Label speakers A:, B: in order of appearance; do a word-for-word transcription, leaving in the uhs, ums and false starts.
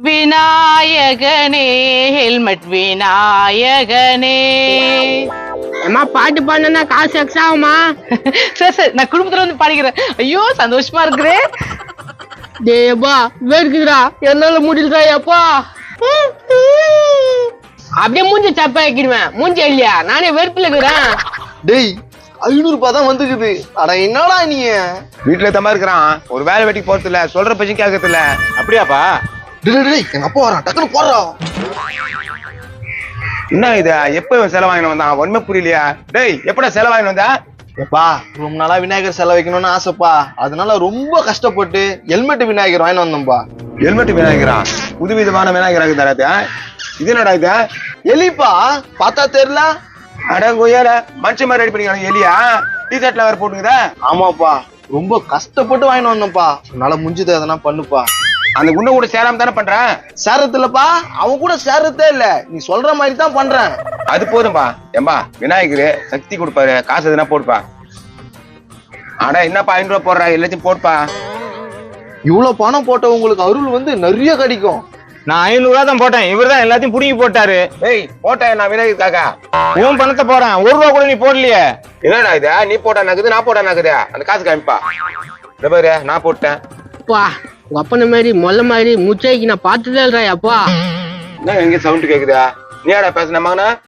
A: விநாயகனே ஹெல்மெட் விநாயகனே.
B: அம்மா பாட்டு பாடுனா காசு எக்ஸ்ட்ரா ஆகுமா?
A: சரி சரி நான் குடும்பத்துல வந்து பாடிக்கிறேன். ஐயோ சந்தோஷமா இருக்குதே.
B: டேப்பா வேர்க்குதுடா, என்னால முடியலடா அப்பா. அப்படியே மூஞ்சி சப்பா வைக்கிடுவேன். மூஞ்சி இல்லையா, நானே வெறுப்புல இருக்கிறேன்.
C: டேய் ஐநூறு ரூபாய் தான் வந்துக்குது. அட என்னடா நீ
D: வீட்டுல தம்மா இருக்கிறான், ஒரு வேலை வெட்டி போறது இல்ல, சொல்ற பச்சும் கேட்கறது இல்ல. அப்படியாப்பா?
C: டேய் எங்க அப்பா வரான், டக்குனு போடுறான்.
D: என்ன இது, எப்ப செலவாயின்னு வந்தான் ஒண்ணுமே புரியலையா? டேய் எப்படா செலவாயின்னு வந்தா?
C: எப்பா ரொம்ப நாளா விநாயகர் செலவு வைக்கணும்னு ஆசைப்பா, அதனால ரொம்ப கஷ்டப்பட்டு ஹெல்மெட் விநாயகர் வாங்கி வந்தோம்பா.
D: ஹெல்மெட் விநாயகரா? புது விதமான விநாயகராக தராது. இது என்னடா இது?
C: எலிப்பா, பார்த்தா தெரியல?
D: அடங்கோயார மனுஷன் மாதிரி ரெடி பண்ணிக்கலாம். எலியா டி ஷர்ட்ல வேற போட்டுங்குதா?
C: ஆமாப்பா, ரொம்ப கஷ்டப்பட்டு வாங்கிட்டு வந்தோம்ப்பா. உன்னால முடிஞ்சது எதனா பண்ணுப்பா.
D: அந்த குண்டை கூட சேராம தானே பண்றேன்.
C: சேரத்து இல்லப்பா, அவன் கூட சேரத்தே இல்ல, நீ சொல்ற மாதிரி தான் பண்றேன்.
D: அது போதும்பா. ஏம்பா விநாயகரு சக்தி கொடுப்பாரு, காசு எதுனா போடுப்பா. அட என்னப்பா ஐநூறு ரூபா போடுறா, எல்லாத்தையும் போடுப்பா.
C: இவ்வளவு பணம் போட்ட உங்களுக்கு அருள் வந்து நிறைய கிடைக்கும்.
D: நான் ஐநூறு ரூபா தான் போட்டேன், இவர் தான் எல்லாத்தையும் புடுங்கி போட்டாரு. ஏய் போட்டேன் நான் விநாயகருக்காக. உன் பணத்தை போறேன், ஒரு ரூபா கூட நீ போடலையே. என்னடா இது, நீ போட்டா நக்குது நான் போட்டா நக்குது, அந்த காசு காமிப்பா. இந்த பாரு நான் போட்டேன்.
B: அப்பா உங்க அப்பன மாதிரி மொல்ல மாதிரி முச்சைக்கு நான் பார்த்ததே இல்லடா அப்பா.
D: என்ன எங்க சவுண்ட் கேக்குதா? நீ யாரா பேசுன மகனா?